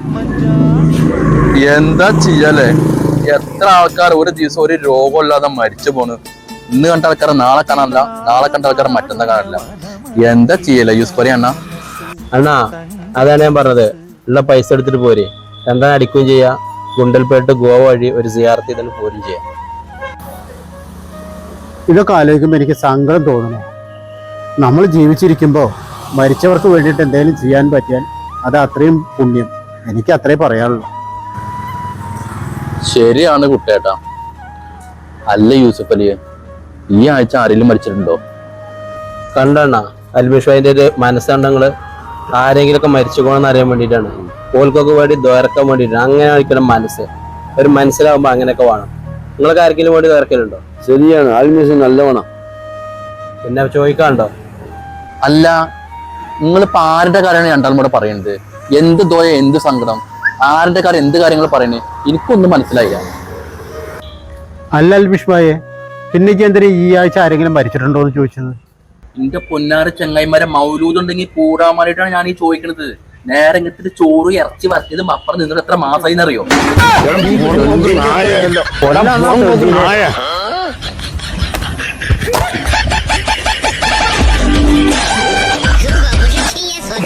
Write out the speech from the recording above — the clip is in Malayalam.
എന്താ ചെയ്യല്ലേ? എത്ര ആൾക്കാർ ഒരു ദിവസം ഒരു രോഗമില്ലാതെ മരിച്ചു പോണ്. ഇന്ന് കണ്ട ആൾക്കാരെ നാളെ കാണാനില്ല, നാളെ കണ്ട ആൾക്കാരെ മറ്റന്നാ കാണാനില്ല. എന്താ ചെയ്യല്ലേ യൂസ്ഫലി അണ്ണ? അണ്ണാ അതാണ് ഞാൻ പറഞ്ഞത്, ഉള്ള പൈസ എടുത്തിട്ട് പോരെ, എന്താ അടിക്കുകയും ചെയ്യാം. ഗുണ്ടൽപേട്ട് ഗോവ വഴി ഒരു സിയാർത്ത് ചെയ്തിട്ട് പോരും ചെയ്യാം. ഇതൊക്കെ ആലോചിക്കുമ്പോൾ എനിക്ക് സങ്കടം തോന്നുന്നു. നമ്മൾ ജീവിച്ചിരിക്കുമ്പോൾ മരിച്ചവർക്ക് വേണ്ടിയിട്ട് എന്തെങ്കിലും ചെയ്യാൻ പറ്റിയാൽ അത് അത്രയും പുണ്യം. എനിക്ക് അത്രേ പറയാനുള്ളൂ. ശരിയാണ് കുട്ടേട്ടാ. അല്ല യൂസഫ് അലിയെ, ഈ ആഴ്ച ആരെങ്കിലും മരിച്ചിട്ടുണ്ടോ? കണ്ടണ്ണ അൽമിഷായിന്റെ ഒരു മനസ്സണ്ടങ്ങള് ആരെങ്കിലുമൊക്കെ മരിച്ചു പോകണമെന്ന് അറിയാൻ വേണ്ടിയിട്ടാണ്. ഓൽക്കൊക്കെ വേണ്ടി ദ്വാരക്കാൻ വേണ്ടിയിട്ടാണ്. അങ്ങനെ ആയിരിക്കണം മനസ്സ്. ഒരു മനസ്സിലാവുമ്പോ അങ്ങനെയൊക്കെ വേണം. നിങ്ങൾക്ക് ആർക്കെങ്കിലും വേണ്ടി ദ്വാരക്കലുണ്ടോ? ശരിയാണ്, ആൽമിസ് നല്ലവണ്ണം. പിന്നെ ചോദിക്കാണ്ടോ? അല്ല, നിങ്ങളിപ്പോ ആരുടെ കാര്യമാണ് രണ്ടാളും കൂടെ പറയുന്നത്? എന്ത് ദോയ, എന്ത് സങ്കടം, ആരുടെ കാര്യം, എന്ത് കാര്യങ്ങൾ പറയണേ? എനിക്കൊന്നും മനസ്സിലായില്ല. അല്ല അൽബിഷ്മായെ, പിന്നേക്ക് എന്തിനാ ഈ ആഴ്ച ആരെങ്കിലും മരിച്ചിട്ടുണ്ടോ എന്ന് ചോദിച്ചത്? എന്റെ പൊന്നാറ് ചെങ്ങായിമാരെ മൗലൂദുണ്ടെങ്കിൽ കൂടാമാരായിട്ടാണ് ഞാൻ ഈ ചോദിക്കണത്. നേരെ ഇങ്ങനത്തെ ചോറ് ഇറച്ചി വരച്ചത് അപ്പുറം നിന്നിട്ട് എത്ര മാസമായി എന്നറിയോ?